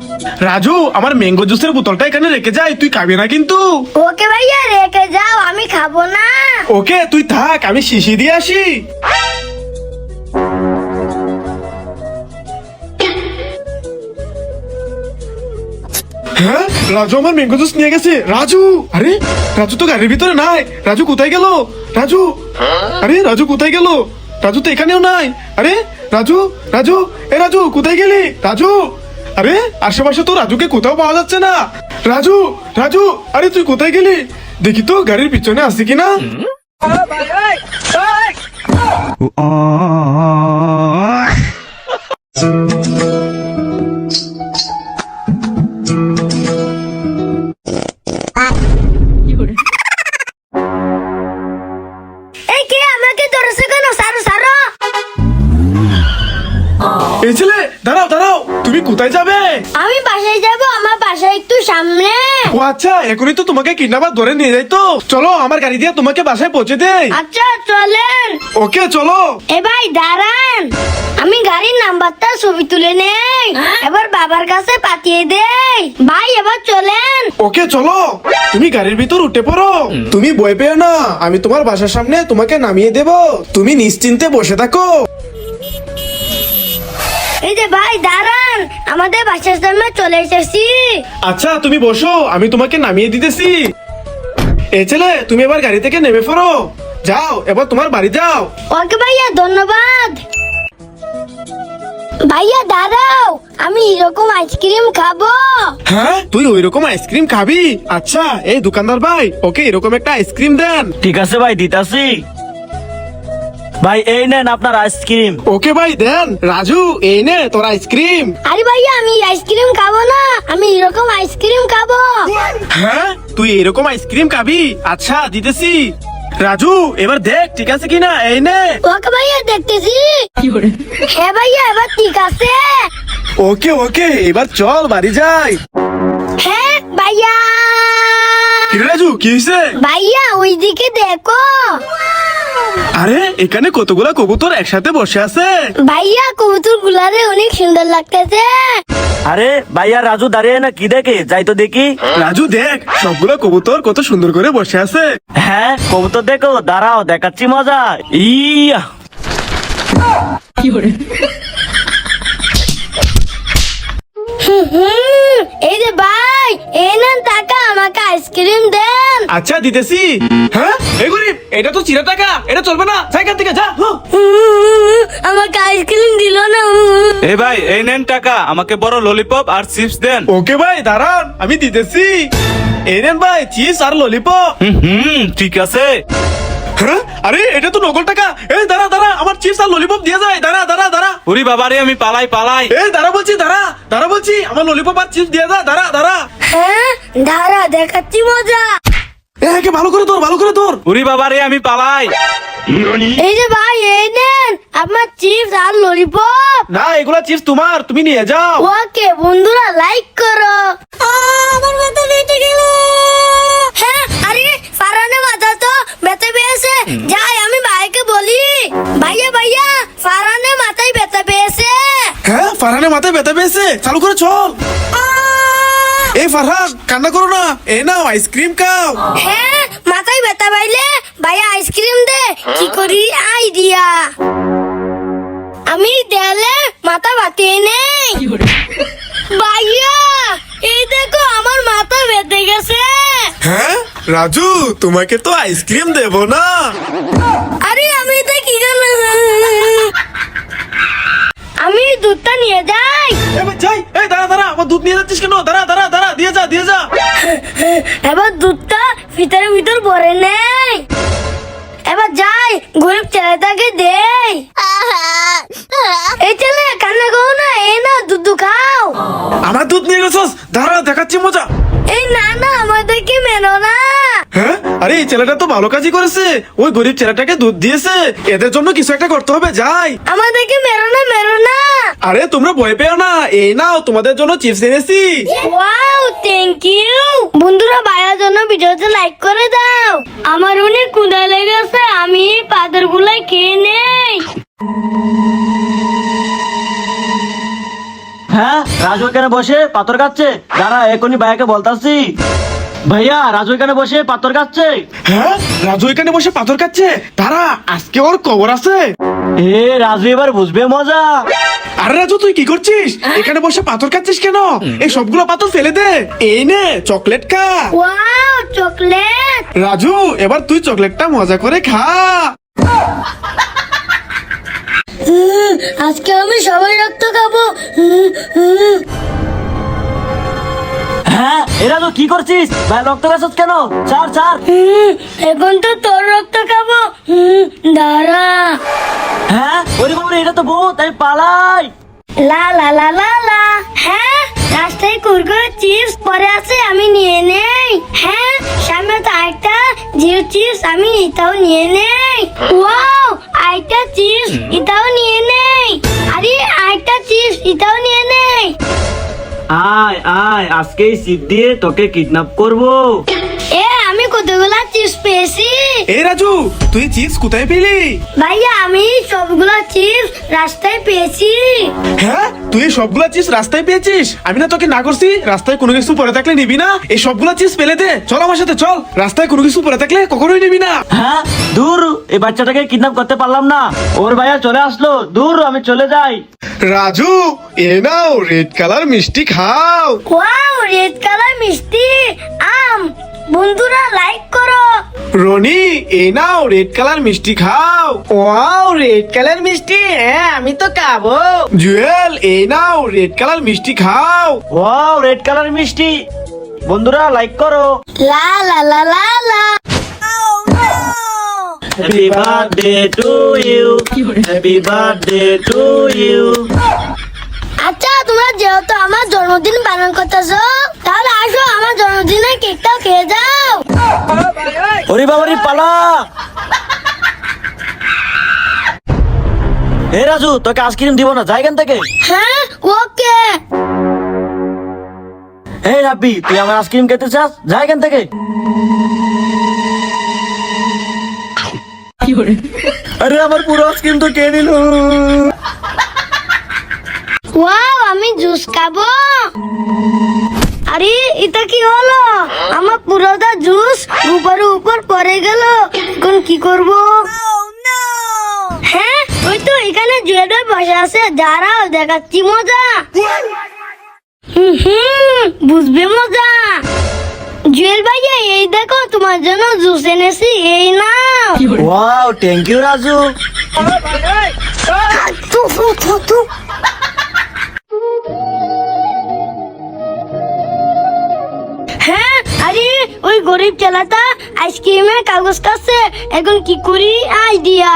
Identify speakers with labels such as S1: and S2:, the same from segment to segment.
S1: রাজু, আমার ম্যাঙ্গো জুসের বোতলটা এখানে রেখে যাই, তুই খাবি না কিন্তু।
S2: ওকে ভাইয়া, রেখে যাও, আমি খাবো না।
S1: ওকে তুই থাক, আমি শিশি দিয়ে আসি। হ্যাঁ, রাজু আমার ম্যাঙ্গো জুস নিয়ে গেছে। রাজু, আরে রাজু তো গাড়ির ভিতরে নাই। রাজু কোথায় গেল? রাজু, আরে রাজু কোথায় গেল? রাজু তো এখানেও নাই। আরে রাজু, রাজু, এ রাজু কোথায় গেলি? রাজু, আরে আশেপাশে তো রাজুকে কোথাও পাওয়া যাচ্ছে না। রাজু, রাজু, আরে তুই কোথায় গেলি? দেখি তো গাড়ির পিছনে আসি কিনা।
S2: এই কে আমাকে ধরেছে কেন? সারো সারো।
S1: এই ছেলে, দাঁড়াও দাঁড়াও, তুমি কোথায় যাবে?
S2: আমি বাসায় যাব, আমার বাসা একটু সামনে।
S1: ও আচ্ছা, এখনই তো তোমাকে কিডন্যাপার ধরে নিয়ে যাই। তো চলো, আমার গাড়ি দিয়ে তোমাকে বাসায় পৌঁছে দেই।
S2: আচ্ছা চলেন।
S1: ওকে চলো।
S2: এ ভাই দাঁড়ান, আমি গাড়ির নাম্বারটা ছবি তুলে নেই, এবার বাবার কাছে পাঠিয়ে দেই। ভাই এবার চলেন।
S1: ওকে চলো, তুমি গাড়ির ভিতর উঠে পড়ো। তুমি ভয় পেও না, আমি তোমার বাসার সামনে তোমাকে নামিয়ে দেব। তুমি নিশ্চিন্তে বসে থাকো।
S2: এই যে ভাই দাঁড়ান, আমাদের বাসার সামনে চলে এসেছি।
S1: আচ্ছা তুমি বসো, আমি তোমাকে নামিয়ে দিতেছি। এই ছেলে, তুমি এবার গাড়ি থেকে নেমে পড়ো। যাও, এবার তোমার বাড়ি যাও।
S2: ওকে ভাইয়া, ধন্যবাদ। ভাইয়া দাঁড়াও, আমি এরকম আইসক্রিম খাবো।
S1: হ্যাঁ, তুই ওই রকম আইসক্রিম খাবি? আচ্ছা, এই দোকানদার ভাই, ওকে এরকম একটা আইসক্রিম দেন।
S3: ঠিক আছে ভাই, দিতাছি। ভাই এই নেন আপনার আইসক্রিম।
S1: ওকে ভাই দেন। রাজু, এই নে তোর আইসক্রিম।
S2: আরে ভাইয়া, আমি আইসক্রিম খাবো না, আমি এরকম আইসক্রিম খাবো।
S1: হ্যাঁ, তুই এরকম আইসক্রিম খাবি? আচ্ছা দিতেছি। রাজু, এবার দেখ ঠিক আছে কিনা। এই নে।
S2: ওকে ভাইয়া, দেখতেছি। হ্যাঁ ভাইয়া, এবার ঠিক আছে।
S1: ওকে ওকে, এবার চল বাড়ি যাই।
S2: হ্যাঁ ভাইয়া।
S1: কি রে রাজু, কি হয়েছে?
S2: ভাইয়া ওইদিকে দেখো।
S1: আরে এখানে কতগুলা কবুতর একসাথে বসে আছে।
S2: ভাইয়া কবুতর গুলারে অনেক সুন্দর লাগতেছে।
S3: আরে ভাইয়া, রাজু দাঁড়িয়ে না কি দেখে, যাই তো দেখি।
S1: রাজু দেখ, সবগুলা কবুতর কত সুন্দর করে বসে আছে।
S3: হ্যাঁ কবুতর দেখো, দাঁড়াও দেখাচ্ছি মজা। ইয়া
S2: এই যে ভাই, এই নেন টাকা, আমাকে আইসক্রিম দেন।
S1: আচ্ছা দিতেছি। হ্যাঁ, এই গরিব, এটা তো চিরা টাকা, এটা চলবে না, সাইকেল থেকে যা।
S2: আমাকে আইসক্রিম দিল না।
S4: এ ভাই, এই নেন টাকা, আমাকে বড় ললিপপ আর চিপস দেন।
S1: ওকে ভাই দাঁড়ান, আমি দিতেছি। এই নেন ভাই, চিপস আর ললিপপ।
S4: ঠিক আছে।
S1: হ্যাঁ, আরে এটা তো নকল টাকা। এই দাঁড়া দাঁড়া, আমার চিপস আর ললিপপ দিয়ে যায়। দাঁড়া দাঁড়া দাঁড়া।
S4: ওরে বাবারে, আমি পালাই পালাই।
S1: এই দাঁড়া বলছি, দাঁড়া দাঁড়া বলছি, আমার ললিপপ আর চিপস দিয়ে যা। দাঁড়া দাঁড়া।
S2: হ্যাঁ দাঁড়া, দেখাচ্ছি মজা।
S1: একে ভালো করে ধর, ভালো করে ধর।
S4: ওরে বাবারে, আমি পালাই।
S2: এই যে ভাই, এই নেন আপনার চিপস আর ললিপপ।
S1: না, এগুলা চিপস তোমার, তুমি নিয়ে যাও।
S2: ওকে বন্ধুরা, লাইক করো। আমার মাথা বেঁচে গেল। হ্যাঁ, আরে ফারানে মাথা তো ব্যথা পেয়েছে। যাই আমি ভাইকে বলি, ভাইয়া ভাইয়া, ফারানে মাথায় ব্যথা পেয়েছে।
S1: হ্যাঁ, ফারহানের মাথায় ব্যথা পেয়েছে, চালু করে চল। এই ফারহান, কান্না করো না, এই নাও আইসক্রিম খাও।
S2: হ্যাঁ, মাথায় ব্যথা পাইলে ভাইয়া আইসক্রিম দে। কি করি আইডিয়া, আমি দেয়ালে মাথা বাতিয়ে নেই। ভাইয়া এই দেখো, আমার মাথা বেঁধে গেছে।
S1: হ্যাঁ রাজু, তোমাকে তো আইসক্রিম দেবো না।
S2: আরে আমি এটা কি করলাম? আমি দুধটা নিয়ে যাই।
S1: এবার যাই। এই দাঁড়া দাঁড়া, আমার দুধ নিয়ে যাচ্ছিস কেন? দাঁড়া দাঁড়া দাঁড়া, দিয়ে যা দিয়ে যা।
S2: এবার দুধটা ভিতরে ভিতর ভরে নেই। এবার যাই, গরিব ছেলেটাকে দেই। এই ছেলে কান্না করো না, এই না দুধ খাও।
S1: আমার দুধ নিয়ে গেছস, দাঁড়া দেখাচ্ছি মজা।
S2: এই না না, আমাদেরকে মেনো না।
S1: হ্যাঁ, আরে এই ছেলেটা তো ভালো কাজই করেছে, ওই গরিব ছেলেটাকে দুধ দিয়েছে। এদের জন্য কিছু একটা করতে হবে, যাই।
S2: আমাদেরকে মেরো না, মেরো না।
S1: আরে তোমরা ভয় পেও না, এই নাও তোমাদের জন্য চিপস এনেছি।
S2: Wow, thank you. বন্ধুরা, ভাইয়ার জন্য ভিডিওতে লাইক করে দাও। আমার অনেক ক্ষুধা লেগেছে, আমি পাথর গুলাই খেয়ে নেই।
S3: হ্যাঁ, রাজু এখানে বসে পাথর কাটছে। দাঁড়া, এখনই ভাইয়াকে বলতাছি। ভাইয়া, রাজু এখানে বসে পাথর কাটছে।
S1: হ্যাঁ, রাজু এখানে বসে পাথর কাটছে। তারা আজকে ওর খবর আছে।
S3: এ রাজু এবার বুঝবে মজা।
S1: আরে রাজু, তুই কি করছিস? এখানে বসে পাথর খাচ্ছিস কেন? এই সবগুলো পাথর ফেলে দে। এই নে চকলেট খা।
S2: Wow, chocolate.
S1: রাজু, এবার তুই চকলেটটা মজা করে খা।
S2: আজকে আমি সবাই রক্ত খাবো।
S3: হ্যাঁ, এ রাজু কি করছিস? ভাই রক্ত খাচ্ছিস কেন? ছাড় ছাড়।
S2: এখন তো তোর রক্ত খাবো। দাঁড়া।
S3: হ্যাঁ, ওরে বাবা, এটা তো ভূত, আমি পালাই।
S2: লা লা লা লা লা। হ্যাঁ, রাস্তায় কুরকুরে চিপস পরে আছে, আমি নিয়ে নেই। হ্যাঁ, সামনে তো আরেকটা জিও চিপস, আমি এটাও নিয়ে নেই। ওয়াও, আরেকটা চিপস, এটাও নিয়ে নেই। আরে আরেকটা চিপস, এটাও নিয়ে নেই।
S3: আয় আয়, আজকে এই সিপ দিয়ে তোকে কিডন্যাপ করবো।
S2: আমি কতগুলা চিপস পেয়েছি।
S1: এই রাজু, তুই চিপস কোথায় পেলি?
S2: ভাইয়া, আমি সবগুলা চিপস রাস্তায় পেয়েছি।
S1: হ্যাঁ, তুই এই সবগুলা চিপস রাস্তায় পেয়েছিস? আমি না তোকে না করছি রাস্তায় কোনো কিছু পরে থাকলে নিবি না? এই সবগুলা চিপস ফেলে দে। চল আমার সাথে চল। রাস্তায় কোনো কিছু পরে থাকলে কখনোই নিবি না।
S3: হ্যাঁ, দূর, এই বাচ্চাটাকে কিডন্যাপ করতে পারলাম না। ওর ভাইয়া চলে আসলো। দূর, আমি চলে যাই।
S1: রাজু, এ নাও রেড কালার মিষ্টি খাও।
S2: ওয়াও, রেড কালার মিষ্টি আম। বন্ধুরা লাইক করো।
S1: রনি, এই নাও রেড কালার মিষ্টি খাও।
S5: ওয়াও, রেড কালার মিষ্টি। হ্যাঁ, আমি তো খাবো।
S1: জুয়েল, এই নাও রেড কালার মিষ্টি খাও।
S3: ওয়াও, রেড কালার মিষ্টি। বন্ধুরা লাইক করো।
S2: লা লা লা লা লা।
S3: Happy birthday to you, happy birthday to you.
S2: আচ্ছা, তোমরা যেহেতু আমার জন্মদিন পালন করতেছো, তাহলে আসো আমার জন্মদিনে কেকটাও খেয়ে যাও।
S3: ওরে বাবারি, পালা। হে রাজু, তোকে আইসক্রিম দিব না, যাই এখান থেকে।
S2: হ্যাঁ, ওকে।
S3: হে রাব্বি, তুই আমার আইসক্রিম খেতে চাস? যাই এখান থেকে। আরে আমার পুরো আইসক্রিম তো কে নিল।
S2: ওয়াও, আমি জুস খাবো। আরে এটা কি হলো? আমার পুরোটা জুস উপরে উপর পড়ে গেল। এখন কি করব? হ্যাঁ, ওই তো এখানে জুয়েল ভাই বসে আছে। দাঁড়াও, দেখাচ্ছি মজা। বুঝবে মজা। জুয়েল ভাইয়া, এই দেখো তোমার জন্য জুস এনেছি, এই নাও।
S3: Wow, thank you Raju.
S2: থু, থু, থু, থু। হ্যাঁ, আরে ওই গরিব ছেলেটা আইসক্রিমের কাগজ কাছে। এখন কি করি? আইডিয়া।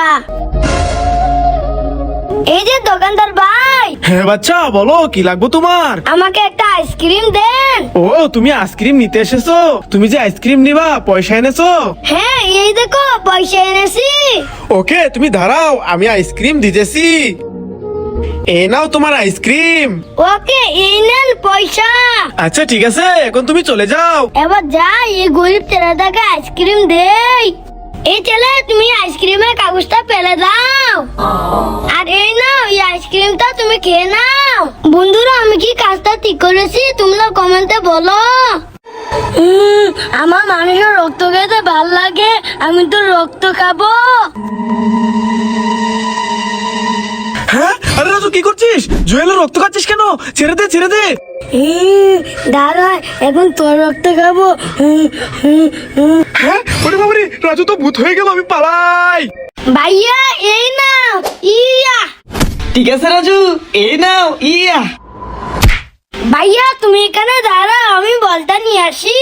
S2: এই যে দোকানদার ভাই,
S1: হ্যাঁ বাচ্চা, বলো কি লাগবে তোমার?
S2: আমাকে একটা আইসক্রিম দেন।
S1: ও, তুমি আইসক্রিম নিতে এসেছো? তুমি যে আইসক্রিম নিবা পয়সা এনেছো?
S2: হ্যাঁ, এই দেখো পয়সা এনেছি।
S1: ওকে, তুমি দাঁড়াও, আমি আইসক্রিম দিতেছি। এ নাও তোমার আইসক্রিম।
S2: ওকে, এই নেন পয়সা।
S1: আচ্ছা ঠিক আছে, এখন তুমি চলে যাও।
S2: এবার যাই, এই গরিব ছেলেটাকে আইসক্রিম দেই। এই ছেলে, তুমি আইসক্রিমের কাগজটা ফেলে দাও। আর এই নাও, এই আইসক্রিমটা তুমি খেয়ে নাও। বন্ধুরা, আমি কি কাজটা ঠিক করেছি? তোমরা কমেন্টে বলো। আমার মানুষের রক্ত খেতে ভাল লাগে, আমি তো রক্ত খাবো।
S1: হ্যাঁ, আরে রাজু কি করছিস? জুয়েলের রক্ত খাচ্ছিস কেন? ছেড়ে দে, ছেড়ে দে।
S2: দাঁড়া, এখন তোর রক্ত খাবো।
S1: হ্যাঁ, ওরে বাবারে, রাজু তো ভূত হয়ে গেল, আমি পালাই।
S2: ভাইয়া, এই নাও। ইয়া।
S5: ঠিক আছে রাজু, এই নাও। ইয়া।
S2: ভাইয়া, তুমি এখানে দাঁড়াও, আমি বলটা নিয়ে আসি।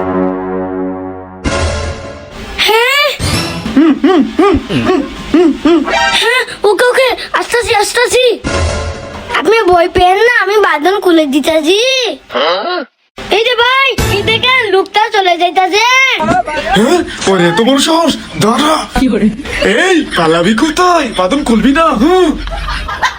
S2: হ্যাঁ, হ্যাঁ, ওকে ওকে, আসতেছি আসতেছি। আপনি ভয় পেন না, আমি বাঁধন খুলে দিতেছি। এই যে ভাই, এই দেখেন লোকটা চলে যাইতাছে।
S1: হ্যাঁ, ওরে এত বড় সাহস! দাঁড়া। এই পালাবি কোথায়? বাদন খুলবি না।